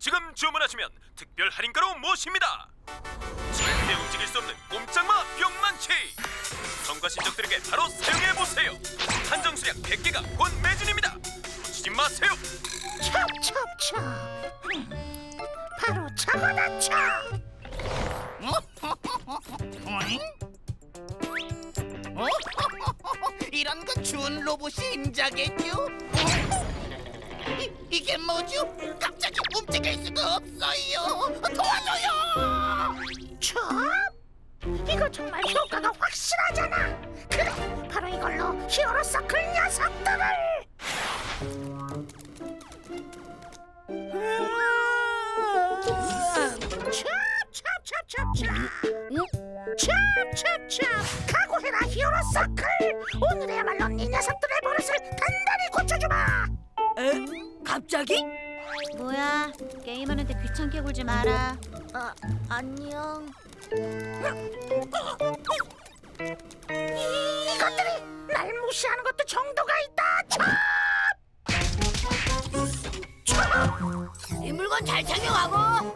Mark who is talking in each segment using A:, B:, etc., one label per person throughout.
A: 지금 주문하시면 특별 할인가로 모십니다. 절대 움직일 수 없는 꼼짝마 뿅만치. 성과 신적들에게 바로 사용해보세요. 한정 수량 100개가 곧 매진입니다. 놓치지 마세요.
B: 찹찹찹. 바로 저거다 찹.
C: 이런 건 준 로봇이 임자겠죠? 이게 뭐죠? 갑자기 움직일 수가 없어요. 도와줘요.
B: 찹? 이거 정말 효과가 확실하잖아. 그래, 바로 이걸로 히어로 서클 녀석들을. 찹찹찹찹찹. 각오해라 히어로 서클. 오늘이야말로 네 녀석들의 버릇을 단단히 고쳐주마.
D: 에? 갑자기?
E: 뭐야? 게임하는데 귀찮게 굴지 마라.
D: 안녕.
B: 이것들이 날 무시하는 것도 정도가 있다.
D: 이 물건 잘 착용하고.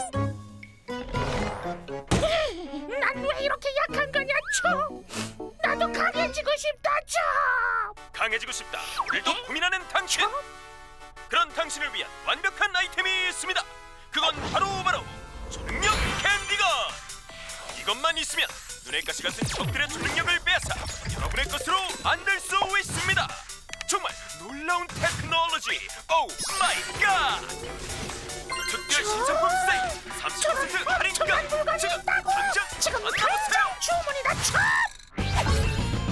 B: 난 왜 이렇게 약한 거냐, 초? 나도 강해지고 싶다, 초.
A: 강해지고 싶다. 오늘도 고민하는 당신. 그런 당신을 위한 완벽한 아이템이 있습니다. 그건 바로 초능력 캔디건. 이것만 있으면 눈의 가시 같은 적들의 초능력을 빼앗아 여러분의 것으로 만들 수 있습니다. 정말 놀라운 테크놀로지. 오 마이 갓. 특별 신상품 세일 30% 할인가. 지금 만나보세요.
B: 주문이다, 초.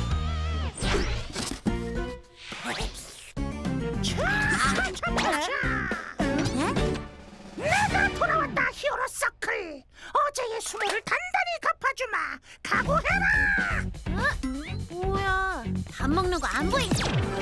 B: 내가 돌아왔다, 히어로 서클. 어제의 수모를 단단히 갚아주마. 각오해라.
E: 뭐야? 밥 먹는 거 안 보이지?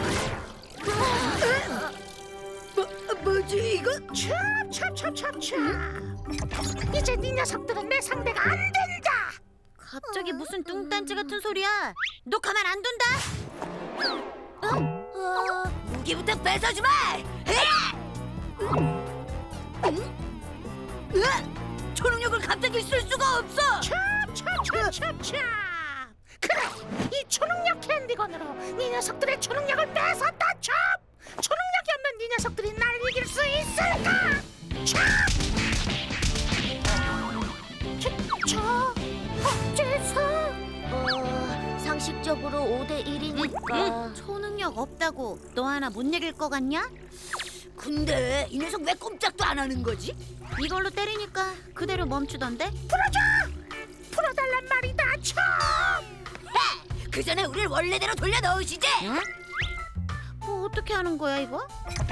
D: 뭐지 이거?
B: 찹찹찹찹찹. 이제 네 녀석들은 내 상대가 안 된다.
E: 갑자기 무슨 뚱딴지 같은 소리야? 너 가만 안 둔다?
D: 무기부터 뺏어주마. 초능력을 갑자기 쓸 수가 없어.
B: 찹찹찹찹찹. 그래, 이 초능력 캔디건으로 네 녀석들의 초능력을 뺏었다, 찹. 초능력이 없는 네 녀석들이 날 이길 수 있을까? 찹. 어째서?
E: 상식적으로 5대 1이니까 초능력 없다고 너 하나 못 이길 거 같냐?
D: 근데 이 녀석 왜 꼼짝도 안 하는 거지?
E: 이걸로 때리니까 그대로 멈추던데?
B: 풀어줘! 풀어달란 말이다, 찹.
D: 그 전에 우릴 원래대로 돌려 넣으시지.
E: 뭐 어떻게 하는 거야 이거?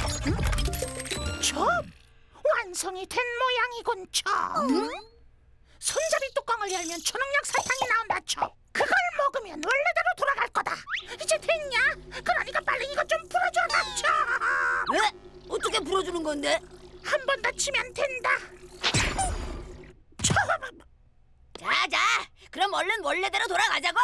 B: 첩! 완성이 된 모양이군, 첩. 손잡이 뚜껑을 열면 초능력 사탕이 나온다, 첩. 그걸 먹으면 원래대로 돌아갈 거다. 이제 됐냐? 그러니까 빨리 이것 좀 풀어줘라, 첩.
D: 왜? 어떻게 풀어주는 건데?
B: 한 번 더 치면 된다. 첩!
D: 자자, 그럼 얼른 원래대로 돌아가자고.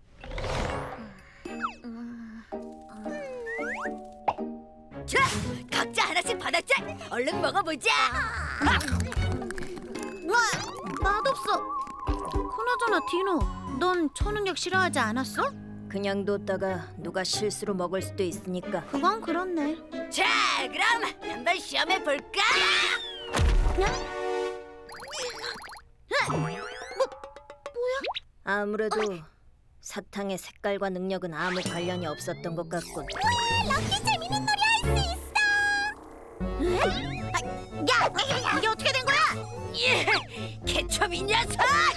D: 자, 각자 하나씩 받았자. 얼른 먹어보자.
E: 와, 맛없어. 그나저나 디노, 넌 초능력 싫어하지 않았어?
F: 그냥 뒀다가 누가 실수로 먹을 수도 있으니까.
E: 그건 그렇네.
D: 자, 그럼 한번 시험해 볼까?
F: 아무래도 사탕의 색깔과 능력은 아무 관련이 없었던 것 같군.
E: 럭키 재밌는 놀이 할 수 있어. 야, 이게 어떻게 된 거야?
D: 예, 개첩 이 녀석!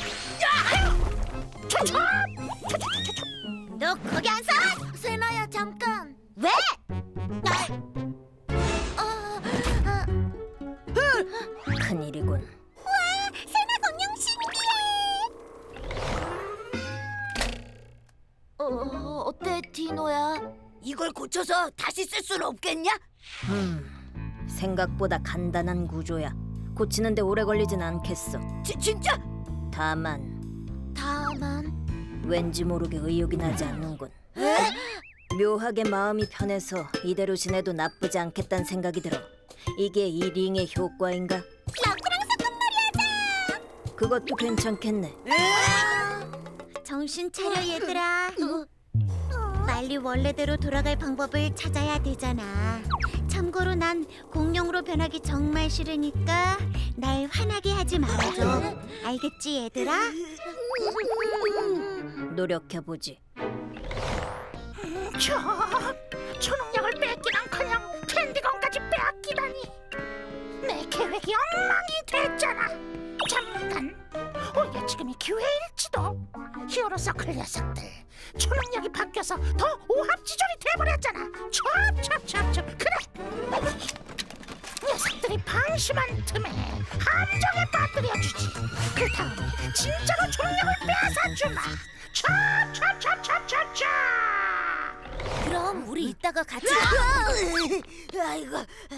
E: 너 거기 안 서? 세나야 잠깐. 왜?
F: 큰일이군.
E: 세나 공룡 신기해. 어때 디노야?
D: 이걸 고쳐서 다시 쓸 수는 없겠냐?
F: 생각보다 간단한 구조야. 고치는데 오래 걸리진 않겠어.
D: 진짜?
F: 다만 왠지 모르게 의욕이 나지 않는군.
D: 에?
F: 묘하게 마음이 편해서 이대로 지내도 나쁘지 않겠다는 생각이 들어. 이게 이 링의 효과인가?
E: 럭키랑 사탕놀이 하자.
F: 그것도 괜찮겠네.
E: 정신 차려 얘들아. 빨리 원래대로 돌아갈 방법을 찾아야 되잖아. 참고로 난 공룡으로 변하기 정말 싫으니까 날 화나게 하지 말아줘. 알겠지 얘들아?
F: 노력해보지.
B: 초능력을 뺏기는커녕 캔디건까지 빼앗기다니. 내 계획이 엉망이 됐잖아. 잠깐, 오히려 지금이 기회일지도. 히어로 서클 녀석들, 초능력이 바뀌어서 더 오합지졸이 돼버렸잖아. 찹. 그래, 녀석들이 방심한 틈에 함정에 빠뜨려주지. 그 다음에 진짜로 초능력을 뺏어주마. 찹.
E: 그럼 우리 이따가 같이.
D: 아이고.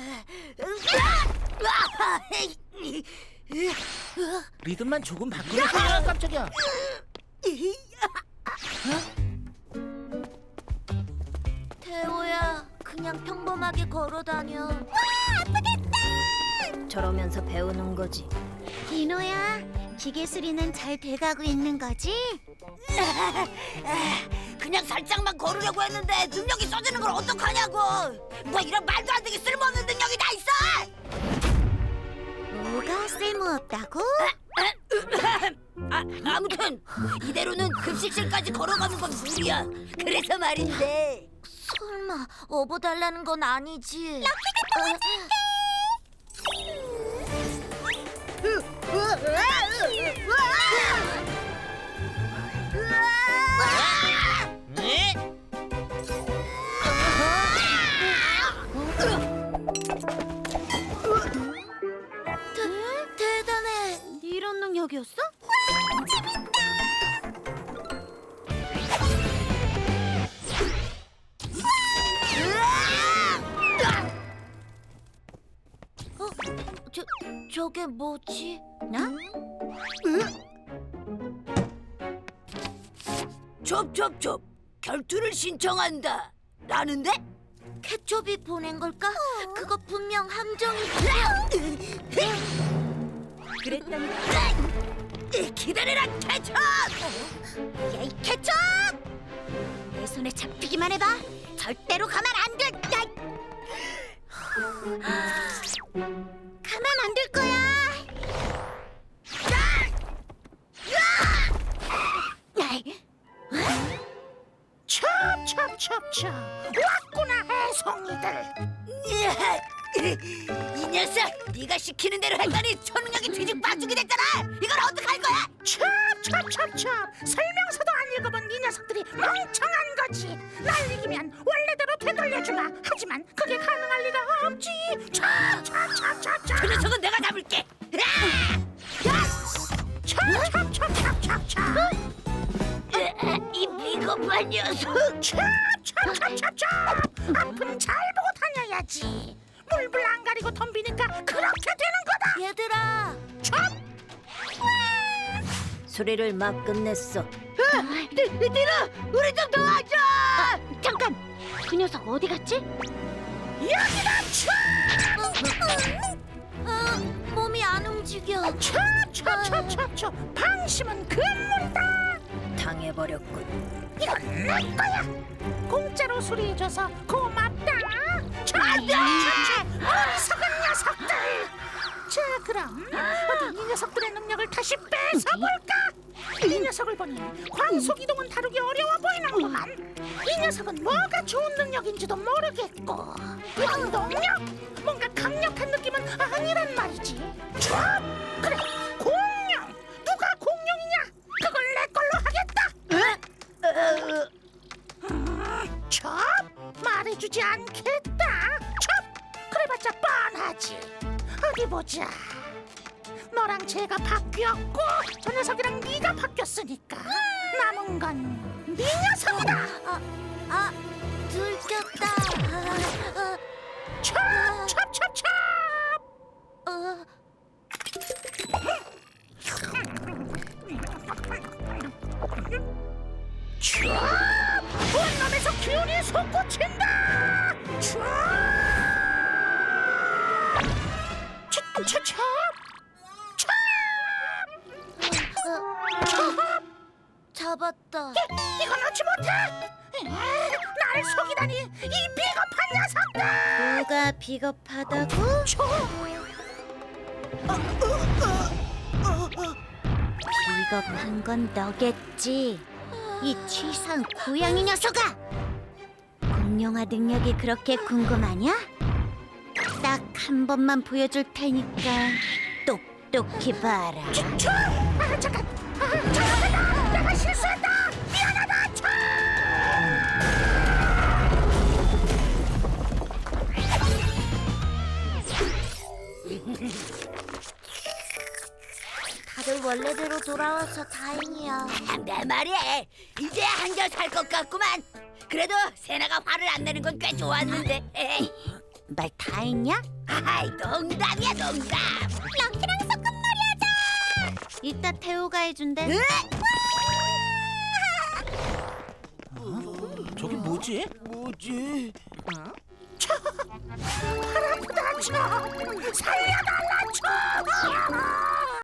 C: 리듬만 조금 바꾸면 아, 깜짝이야.
E: 태호야, 그냥 평범하게 걸어다녀.
F: 저러면서 배우는 거지.
E: 디노야, 기계 수리는 잘 돼가고 있는 거지?
D: 그냥 살짝만 걸으려고 했는데 능력이 써지는 걸 어떡하냐고. 뭐 이런 말도 안 되게 쓸모없는 능력이 다 있어.
E: 뭐가 쓸모없다고?
D: 아무튼 이대로는 급식실까지 걸어가는 건 무리야. 그래서 말인데.
E: 설마 업어달라는 건 아니지?
C: 네?
E: 대단해. 이런 능력이었어? 저게 뭐지? 나?
D: 좁 결투를 신청한다. 라는데?
E: 케첩이 보낸 걸까? 그거 분명 함정이.
D: 그랬다니. 기다려라, 케첩!
E: 야이 케첩! 내 손에 잡히기만 해봐. 절대로 가만 안 될. 가만 안 될 거야.
B: 찹. 왔구나, 해송이들.
D: 이 녀석, 네가 시키는 대로 했더니 초능력이 뒤죽박죽이 됐잖아. 이걸 어떡할 거야?
B: 찹. 설명서도 안 읽어본 이 녀석들이 멍청한 거지. 날 이기면 원래대로 되돌려주마. 하지만 그게 가능할 리가 없지. 찹.
D: 그 녀석은 내가 잡을게.
B: 찹.
D: 이 비겁한 녀석.
B: 찹. 앞은 잘 보고 다녀야지. 물불 안 가리고 덤비니까 그렇게 되는 거다.
E: 얘들아,
B: 찹.
F: 수리를 막 끝냈어.
D: 얘들아, 우리 좀 도와줘.
E: 잠깐. 그 녀석 어디 갔지?
B: 여기다
E: 몸이 안 움직여.
B: 찹. 방심은 금물이다.
F: 당해버렸군.
B: 이건 내 거야. 공짜로 수리해줘서 고맙다. 어리석은 녀석들. 자, 그럼 어디 이 녀석들의 능력을 다시 뺏어볼까? 이 녀석을 보니 광속 이동은 다루기 어려워 보이는구만. 이 녀석은 뭐가 좋은 능력인지도 모르겠고, 원동력? 뭔가 강력한 느낌은 아니란 말이지. 참, 그래, 공룡. 누가 공룡이냐? 그걸 내 걸로 하겠다. 첩, 말해주지 않겠다. 첩, 그래봤자 뻔하지. 어디 보자. 너랑 쟤가 바뀌었고 저 녀석이랑 네가 바뀌었으니까 남은 건 네 녀석이다.
E: 들켰다.
B: 첩. 온몸에서 기운이 솟구친다. 첩!
E: 잡았다.
B: 이건 얻지 못해! 나를 속이다니 이 비겁한 녀석들!
E: 뭐가 비겁하다고? 비겁한 건 너겠지. 이 취상 고양이 녀석아! 공룡화 능력이 그렇게 궁금하냐? 딱 한 번만 보여줄 테니까 똑똑히 봐라.
B: 잠깐! 잠깐만! 내가 실수했다! 미안하다!
E: 다들 원래대로 돌아와서 다행이야.
D: 내 말이야. 이제 한결 살 것 같구만. 그래도 세나가 화를 안 내는 건 꽤 좋았는데. 에이.
E: 말 다 했냐?
D: 아이, 농담이야, 농담.
E: 럭키랑 소꿉놀이하자. 이따 태호가 해준대.
C: 저게 뭐지?
B: 살려달라!